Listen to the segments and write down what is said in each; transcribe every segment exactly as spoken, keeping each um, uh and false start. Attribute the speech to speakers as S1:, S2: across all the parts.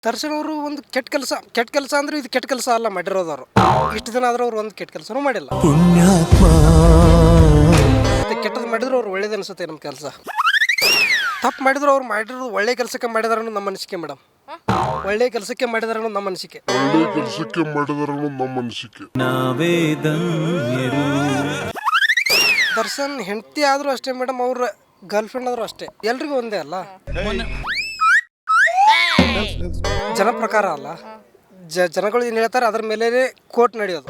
S1: ದರ್ಶನ್ ಅವರು ಒಂದು ಕೆಟ್ಟ ಕೆಲಸ ಕೆಟ್ಟ ಕೆಲಸ ಅಂದ್ರೆ ಇದು ಕೆಟ್ಟ ಕೆಲಸ ಅಲ್ಲ ಮಾಡಿರೋದವರು. ಇಷ್ಟು ದಿನ ಆದ್ರೂ ಅವ್ರು ಒಂದು ಕೆಟ್ಟ ಕೆಲಸನೂ ಮಾಡಿಲ್ಲ.
S2: ಪುಣ್ಯಾತ್ಮ
S1: ಕೆಟ್ಟದ್ದು ಮಾಡಿದ್ರು ಅವ್ರು ಒಳ್ಳೇದು ಅನ್ಸುತ್ತೆ ನಮ್ಮ ಕೆಲಸ. ತಪ್ಪು ಮಾಡಿದ್ರು ಅವ್ರು ಮಾಡಿರೋದು ಒಳ್ಳೆ ಕೆಲಸಕ್ಕೆ ಮಾಡಿದಾರ ನಮ್ಮ ಅನಿಸಿಕೆ ಮೇಡಮ್. ಒಳ್ಳೆ ಕೆಲಸಕ್ಕೆ ಮಾಡಿದಾರ ನಮ್ಮ ಅನಿಸಿಕೆ.
S3: ಒಳ್ಳೆ ಕೆಲಸಕ್ಕೆ ಮಾಡಿದಾರ ನಮ್ಮ ಅನಿಸಿಕೆ.
S2: ನಾವೇ ಧನ್ಯರು.
S1: ದರ್ಶನ್ ಹೆಂಡತಿ ಆದ್ರೂ ಅಷ್ಟೇ ಮೇಡಮ್, ಅವ್ರ ಗರ್ಲ್ ಫ್ರೆಂಡ್ ಆದ್ರೂ ಅಷ್ಟೇ. ಎಲ್ರಿಗೂ ಒಂದೇ ಅಲ್ಲ, ಜನ ಪ್ರಕಾರ ಅಲ್ಲ. ಜ ಜನಗಳು ಏನು ಹೇಳ್ತಾರೆ ಅದ್ರ ಮೇಲೆ ಕೋರ್ಟ್ ನಡೆಯೋದು.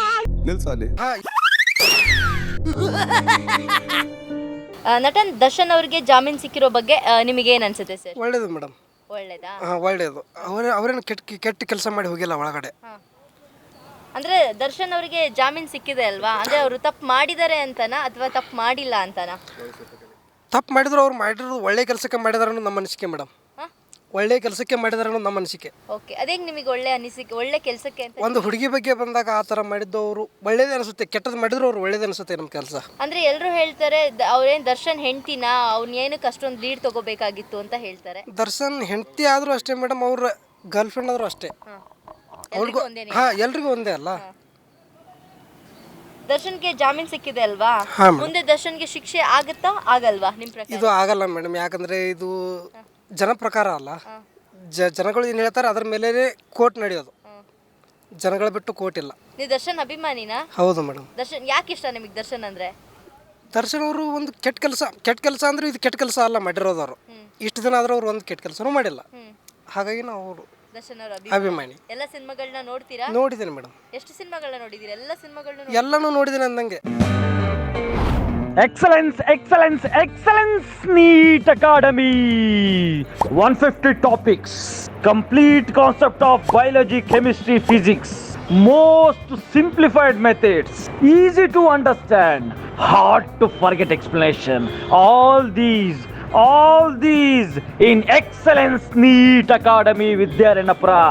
S4: ನಟನ್ ದರ್ಶನ್ ಅವರಿಗೆ ಜಾಮೀನು ಸಿಕ್ಕಿರೋ ಬಗ್ಗೆ ನಿಮಗೆ ಏನು ಅನ್ಸುತ್ತೆ ಸರ್?
S1: ಒಳ್ಳೇದು ಮೇಡಮ್,
S4: ಒಳ್ಳೇದಾ?
S1: ಹಾಂ ಒಳ್ಳೇದು. ಅವ್ರ ಅವ್ರೇನು ಕೆಟ್ಟ ಕೆಟ್ಟ ಕೆಲಸ ಮಾಡಿ ಹೋಗಿಲ್ಲ ಒಳಗಡೆ.
S4: ಅಂದ್ರೆ ದರ್ಶನ್ ಅವರಿಗೆ ಜಾಮೀನು ಸಿಕ್ಕಿದೆ ಅಲ್ವಾ, ಅಂದ್ರೆ ಅವರು ತಪ್ಪು ಮಾಡಿದ್ದಾರೆ ಅಂತನಾ ಅಥವಾ ತಪ್ಪು ಮಾಡಿಲ್ಲ ಅಂತನಾ?
S1: ತಪ್ಪು ಮಾಡಿದ್ರು ಅವ್ರು ಮಾಡಿರೋದು ಒಳ್ಳೆ ಕೆಲಸಕ್ಕೆ ಮಾಡಿದಾರ ನಮ್ಮ ಅನಿಸಿಕೆ ಮೇಡಮ್. ಒಳ್ಳೆ ಕೆಲಸಕ್ಕೆ ಮಾಡಿದಾರ ನಮ್ಮ ಅನಿಸಿಕೆ.
S4: ಓಕೆ, ಅದೇಗೆ ನಿಮಗೆ ಒಳ್ಳೆ ಅನಿಸಿಕೆ, ಒಳ್ಳೆ ಕೆಲಸಕ್ಕೆ ಅಂತ?
S1: ಒಂದು ಹುಡುಗಿ ಬಗ್ಗೆ ಬಂದಾಗ ಆ ಥರ ಮಾಡಿದ್ದು ಅವರು ಒಳ್ಳೇದೇ ಅನಿಸುತ್ತೆ. ಕೆಟ್ಟದ್ದು ಮಾಡಿದ್ರು ಅವ್ರು ಒಳ್ಳೇದೇ ಅನಿಸುತ್ತೆ ನಮ್ಮ ಕೆಲಸ.
S4: ಅಂದ್ರೆ ಎಲ್ಲರೂ ಹೇಳ್ತಾರೆ ಅವ್ರೇನು ದರ್ಶನ್ ಹೆಂಡ್ತಿನ, ಅವ್ನ ಏನಕ್ಕೆ ಅಷ್ಟೊಂದು ಲೀಡ್ ತಗೋಬೇಕಾಗಿತ್ತು ಅಂತ ಹೇಳ್ತಾರೆ.
S1: ದರ್ಶನ್ ಹೆಂಡತಿ ಆದ್ರೂ ಅಷ್ಟೇ ಮೇಡಮ್, ಅವ್ರ ಗರ್ಲ್ ಫ್ರೆಂಡ್ ಆದ್ರೂ ಅಷ್ಟೇ. ಅವ್ರಿಗೂ ಹಾಂ ಎಲ್ರಿಗೂ ಒಂದೇ ಅಲ್ಲ.
S4: ದರ್ಶನ್ಗೆ ಜಾಮೀನು ಸಿಕ್ಕಿದೆ ಅಲ್ವಾ, ಮುಂದೆ ದರ್ಶನ್ಗೆ ಶಿಕ್ಷೆ ಆಗುತ್ತಾ ಆಗಲ್ವಾ ನಿಮ್ಮ ಪ್ರಕಾರ?
S1: ಇದು ಆಗಲ್ಲ ಮೇಡಮ್, ಯಾಕಂದ್ರೆ ಇದು ಜನ ಪ್ರಕಾರ ಅಲ್ಲ. ಜ ಜನಗಳು ಏನು ಹೇಳ್ತಾರೆ ಅದ್ರ ಮೇಲೆ ಕೋರ್ಟ್ ನಡೆಯೋದು. ಜನಗಳ ಬಿಟ್ಟು ಕೋರ್ಟ್ ಇಲ್ಲ.
S4: ನೀವು ದರ್ಶನ್ ಅಭಿಮಾನಿನಾ?
S1: ಹೌದು ಮೇಡಮ್.
S4: ದರ್ಶನ್ ಯಾಕೆ ಇಷ್ಟ ನಿಮಗೆ ದರ್ಶನ್ ಅಂದ್ರೆ?
S1: ದರ್ಶನ್ ಅವರು ಒಂದು ಕೆಟ್ಟ ಕೆಲಸ ಕೆಟ್ಟ ಕೆಲಸ ಅಂದ್ರೆ ಇದು ಕೆಟ್ಟ ಕೆಲಸ ಅಲ್ಲ ಮಾಡಿರೋದವರು. ಇಷ್ಟು ದಿನ ಆದ್ರೂ ಅವ್ರು ಒಂದು ಕೆಟ್ಟ ಕೆಲಸನೂ ಮಾಡಿಲ್ಲ. ಹಾಗಾಗಿ ನಾವು ಅವರು
S4: ದರ್ಶನ್ ಅವರ
S1: ಅಭಿಮಾನಿ.
S4: ಎಲ್ಲ ಸಿನಿಮಾಗಳನ್ನ ನೋಡ್ತೀರಾ?
S1: ನೋಡಿದ್ದೀನಿ ಮೇಡಮ್.
S4: ಎಷ್ಟು ಸಿನಿಮಾಗಳನ್ನ ನೋಡಿದ್ದೀರಾ? ಎಲ್ಲ ಸಿನಿಮಾಗಳನ್ನ
S1: ಎಲ್ಲನೂ ನೋಡಿದ್ದೀನಿ ಅಂದಂಗೆ.
S5: Excellence, excellence, excellence, NEET Academy. one hundred fifty topics, complete concept of biology, chemistry, physics, most simplified methods, easy to understand, hard to forget explanation. All these, all these in Excellence NEET Academy Vidyaranapura.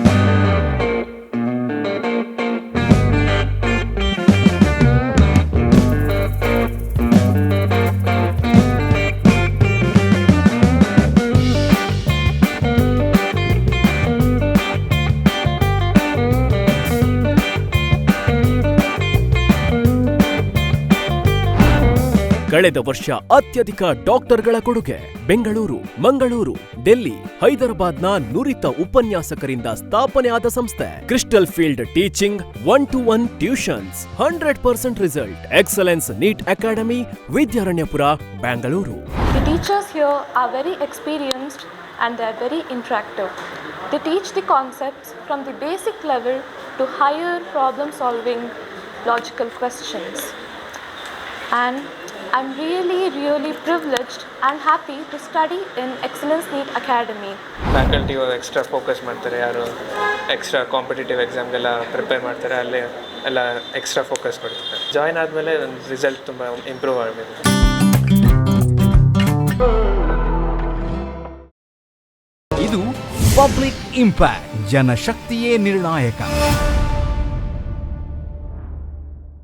S6: ಕಳೆದ ವರ್ಷ ಅತ್ಯಧಿಕ ಡಾಕ್ಟರ್ಗಳ ಕೊಡುಗೆ. ಬೆಂಗಳೂರು, ಮಂಗಳೂರು, ಡೆಲ್ಲಿ, ಹೈದರಾಬಾದ್ನ ನುರಿತ ಉಪನ್ಯಾಸಕರಿಂದ ಸ್ಥಾಪನೆ ಆದ ಸಂಸ್ಥೆ crystal field teaching, one to one tuitions, hundred percent result. Excellence NEET Academy, Vidyaranyapura, Bengaluru.
S7: The teachers here are very experienced and they are very interactive. They teach the concepts from the basic level to higher problem solving logical questions. And I'm really, really privileged and happy to study in Excellence NEET Academy.
S8: Faculty extra focus ಮಾಡ್ತಾರೆ, ಯಾರು extra competitive ಎಕ್ಸಾಮ್ಗೆಲ್ಲ prepare ಮಾಡ್ತಾರೆ, ಅಲ್ಲೇ ಎಲ್ಲ extra focus ಕೊಡ್ತಾರೆ. Join ಆದಮೇಲೆ ನನ್ನ result ತುಂಬ improve ಆಗಬೇಕು.
S9: ಇದು ಪಬ್ಲಿಕ್ ಇಂಪ್ಯಾಕ್ಟ್, ಜನಶಕ್ತಿಯೇ ನಿರ್ಣಾಯಕ.